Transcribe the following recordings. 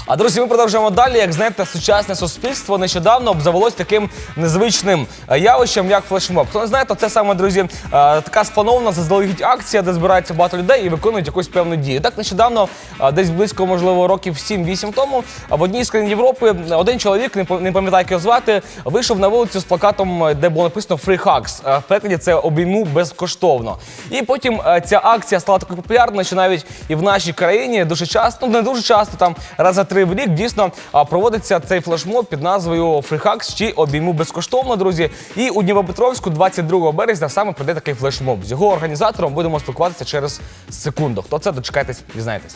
А, друзі, ми продовжуємо далі. Як знаєте, сучасне суспільство нещодавно обзавелось таким незвичним явищем, як флешмоб. Хто не знає, то це саме, друзі, така спланована заздалегідь акція, де збираються багато людей і виконують якусь певну дію. Так, нещодавно, десь близько, можливо, років 7-8 тому, в одній з країн Європи один чоловік, не пам'ятаю, як його звати, вийшов на вулицю з плакатом, де було написано «Free Hugs». В перекладі це «Обійму безкоштовно». І потім ця акція стала такою популярною, що навіть і в нашій країні дуже часто, не дуже часто, там раз за 3 в рік дійсно проводиться цей флешмоб під назвою «Free Hugs» чи «Обійму безкоштовно», друзі. І у Дніпропетровську 22 березня саме пройде такий флешмоб. З його організатором будемо спілкуватися через секунду. Хто це? Дочекайтесь, дізнаєтесь.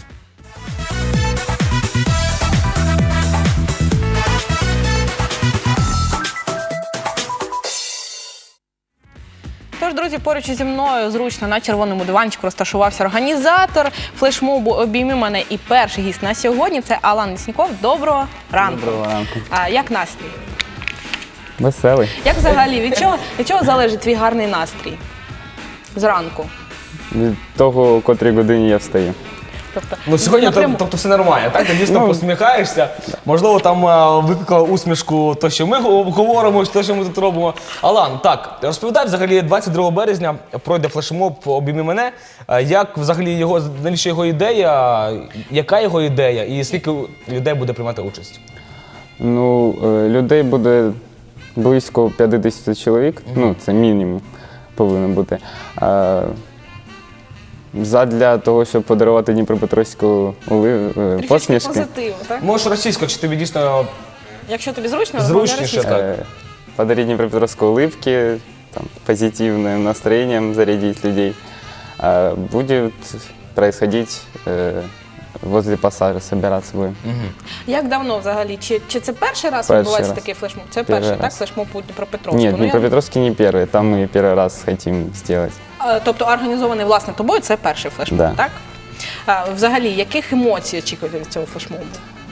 Тож, друзі, поруч зі мною зручно на червоному диванчику розташувався організатор флешмобу «Обійми мене» і перший гість на сьогодні – це Алан Лісніков. Доброго ранку. Доброго ранку. Як настрій? Веселий. Як взагалі, від чого залежить твій гарний настрій зранку? Від того, о котрій годині я встаю. Тобто, Ну, сьогодні напряму- тобто все нормально, так? Ти дійсно посміхаєшся. Можливо, там викликала усмішку то, що ми говоримо, то, що ми тут робимо. Алан, так, розповідай, взагалі, 22 березня пройде флешмоб «Обійми мене». Як взагалі його, навіщо його ідея, яка його ідея і скільки людей буде приймати участь? Ну, людей буде близько 50 чоловік, ну, це мінімум повинен бути. Задля того, щоб подарувати Дніпропетровську Трішечки посмішки. позитиву, так? Можеш російською, чи тобі дійсно Якщо тобі зручно, Зручніше, розмовляй російською. Подарить Днепропетровской улыбки, там, позитивным настроением зарядить людей. Будет происходить возле пассажа, собираться будем. Як давно взагалі? Чи це перший раз Перший відбувається раз. такий флешмоб? Це Перший перший, так? раз. Флешмоб у Дніпропетровську? Нет, Днепропетровский не первый, там мы первый раз хотим сделать. Тобто організований, власне, тобою, це перший флешмоб, Да. так? Взагалі, яких емоцій очікуєте від цього флешмобу?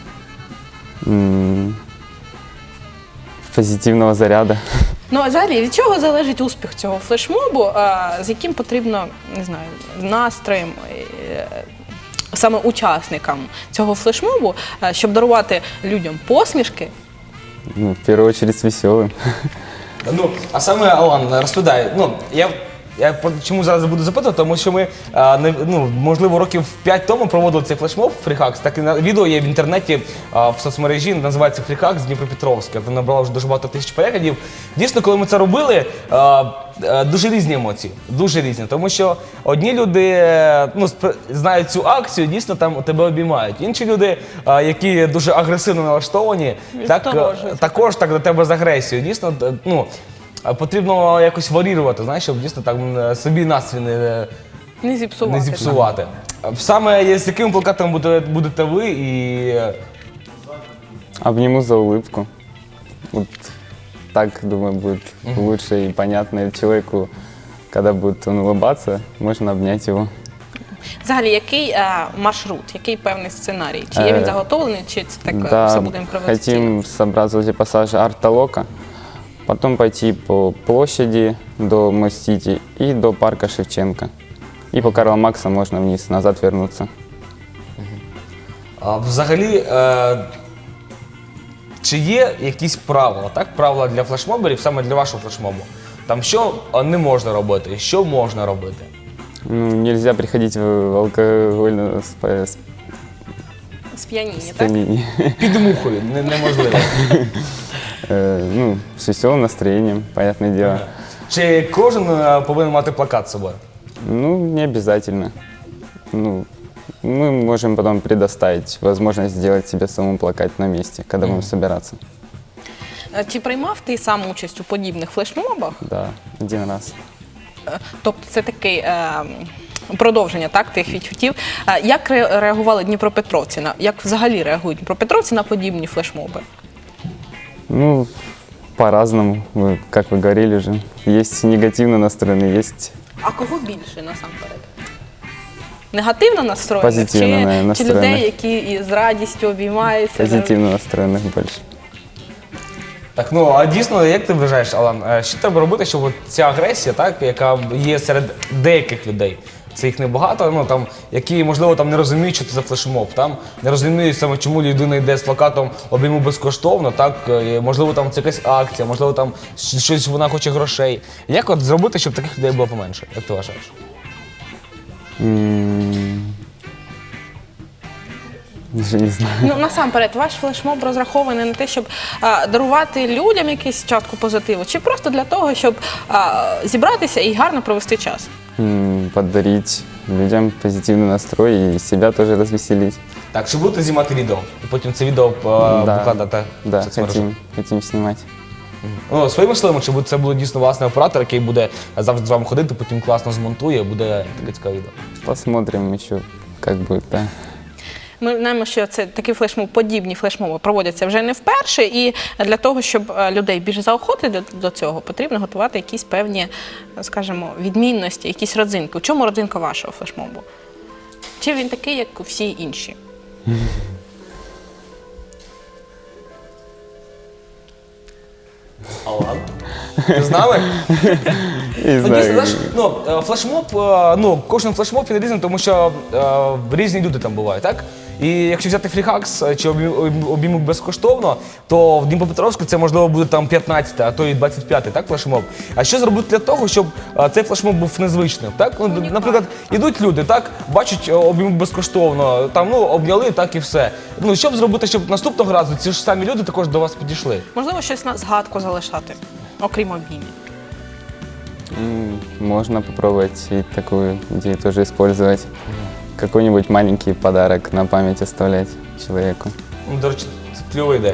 Позитивного заряда. Ну, а взагалі, від чого залежить успіх цього флешмобу, з яким потрібно, не знаю, настроєм, саме учасникам цього флешмобу, щоб дарувати людям посмішки? Ну, в первую очередь с веселым. Ну, а саме, Алан, розповідай, ну, чому зараз буду запитувати, тому що ми, можливо, років 5 тому проводили цей флешмоб Free Hugs, так і відео є в інтернеті, в соцмережі, називається Free Hugs Дніпропетровське, там набрало вже дуже багато тисяч переглядів. Дійсно, коли ми це робили, дуже різні емоції, дуже різні, тому що одні люди знають цю акцію, дійсно там тебе обіймають. Інші люди, які дуже агресивно налаштовані, також так до тебе з агресією. Дійсно, потрібно якось варірувати, знаєш, щоб дійсно так собі настрій Не зіпсувати. не зіпсувати. Саме з якими плакатами будете ви і Обниму за улыбку. Вот так, думаю, будет лучше и понятно человеку, когда будет он улыбаться, можно обнять его. Взагалі, який маршрут, який певний сценарій? Чи є він заготовлений, чи це так все буде імпровізаційно? хотим собраться возле пассажа Арт-Толока, потом пойти по площади до Мостити и до парка Шевченко. И по Карла Маркса можно вниз, назад вернуться. взагалі, чи є якісь правила, так? Правила для флешмоберів, саме для вашого флешмобу? Там що не можна робити, що можна робити? Ну, нельзя приходить в алкогольное Сп'яніння, так? состояние. Під мухою, неможливо. Ну, с веселым настроением, понятное дело. Чи кожен повинен мати плакат з собою? Ну, не обязательно. Ну, мы можем потом предоставить возможность сделать себе самому плакат на месте, когда будем собираться. Чи приймав ти сам участь у подібних флешмобах? Да, 1 раз. Тобто це таке продовження, так, тих відчуттів. Як реагували дніпропетровці? Як взагалі реагують дніпропетровці на подібні флешмоби? Ну, по-разному, как вы говорили уже. Есть негативно настроенные, есть А кого більше насамперед? Негативно настроєних? Позитивно Чи настроєних. людей, які із радістю обіймаються? позитивно настроенных больше. Так, ну а дійсно, як ти вважаєш, Алан, що треба робити, щоб ця агресія, так, яка є серед деяких людей, це їх небагато, ну там, які, можливо, там не розуміють, що це за флешмоб, там не розуміють саме, чому людина йде з плакатом обійму безкоштовно, так, можливо, там це якась акція, можливо, там щось вона хоче грошей. Як от зробити, щоб таких людей було поменше? Як ти вважаєш? Даже не знаю. Ну, насамперед, ваш флешмоб розрахований на те, щоб дарувати людям якусь частку позитиву, чи просто для того, щоб зібратися і гарно провести час? Подарить людям позитивный настрой и себя тоже развеселить. Так, чи будете знімати відео? І потім це відео викладати в Да, соцмережах? хотим снимать. Ну, своїми силами, чи це буде дійсно власний оператор, який буде завжди з вами ходити, потім класно змонтує, буде таке цікаве відео. Посмотрим еще, как будет, да. Ми знаємо, що це такі флешмоби, подібні флешмоби проводяться вже не вперше, і для того, щоб людей більше заохотити до цього, потрібно готувати якісь певні, скажімо, відмінності, якісь родзинки. У чому родзинка вашого флешмобу? Чи він такий, як всі інші? Ти з нами? Не Ну, знаю, дійсно, знаєш, флешмоб, кожен флешмоб він різний, тому що різні люди там бувають, так? І якщо взяти фріхакс чи обійму безкоштовно, то в Дніпропетровську це можливо буде там 15, а то і 25, так, флешмоб. А що зробити для того, щоб цей флешмоб був незвичним, так? Ну, наприклад, ідуть люди, так, бачать обійму безкоштовно, там, ну, обняли, так і все. Ну, що б зробити, щоб наступного разу ці ж самі люди також до вас підійшли? Можливо, щось на згадку залишати, окрім обіймів. Можно попробовать и такую идею тоже использовать. Какой-нибудь маленький подарок на память оставлять человеку. Ну, до речі, це кльова ідея.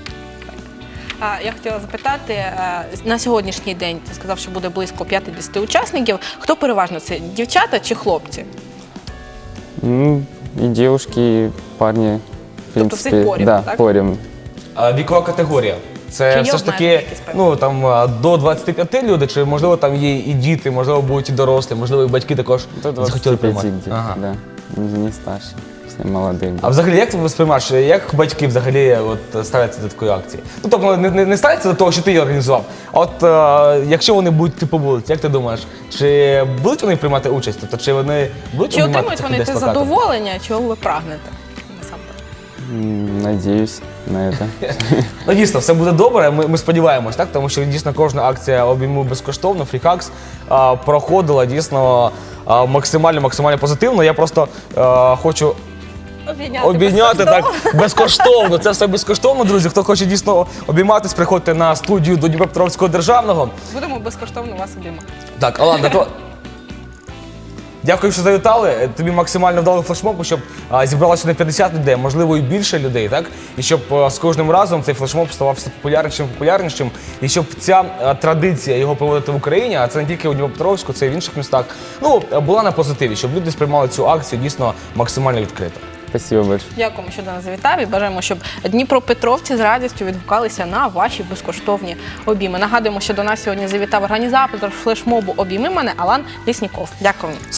Я хотіла запитати, на сьогоднішній день ти сказав, що буде близько 50 учасників. Хто переважно це, дівчата чи хлопці? Ну, и девушки, и парни, в Тобто всіх принципе, порем, да, так? порем. Вікова категорія. Чи Це є все ж таки, обмеження якісь певні? ну там до 25 люди, чи можливо там є і діти, можливо будуть і дорослі, можливо, і батьки також До захотіли 25 приймати. где-то, Ага. да. Не старше, все молодые. А взагалі, як ти сприймаєш, як батьки взагалі от ставляться до такої акції? Ну тобто не ставляться до того, що ти її організував. А от якщо вони будуть йти по вулиці, як ти думаєш, чи будуть вони приймати участь? Тобто, чи вони будуть Чи обіймати отримують цих вони людей з те плакатом? задоволення, чого ви прагнете? Насамперед. Надеюсь на это. Ну дійсно, все буде добре. Ми сподіваємось, так, тому що дійсно кожна акція обійму безкоштовно, фріхакс проходила дійсно максимально позитивно. Я просто хочу обійняти так безкоштовно. Це все безкоштовно, друзі. Хто хоче дійсно обійматись, приходьте на студію до Дніпропетровського державного. Будемо безкоштовно вас обіймати. Так, Алан, то дякую, що завітали. Тобі максимально вдало флешмобу, щоб зібралося не 50 людей, можливо, і більше людей, так? І щоб з кожним разом цей флешмоб ставав все популярнішим, і щоб ця традиція його проводити в Україні, а це не тільки у Дніпропетровську, це і в інших містах, ну, була на позитиві, щоб люди сприймали цю акцію дійсно максимально відкрито. Спасибо большое. Дякуємо, що до нас завітав, і бажаємо, щоб дніпропетровці з радістю відгукалися на ваші безкоштовні обійми. Нагадуємо, що до нас сьогодні завітав організатор флешмобу «Обійми мене» Алан Лісніков. Дякую.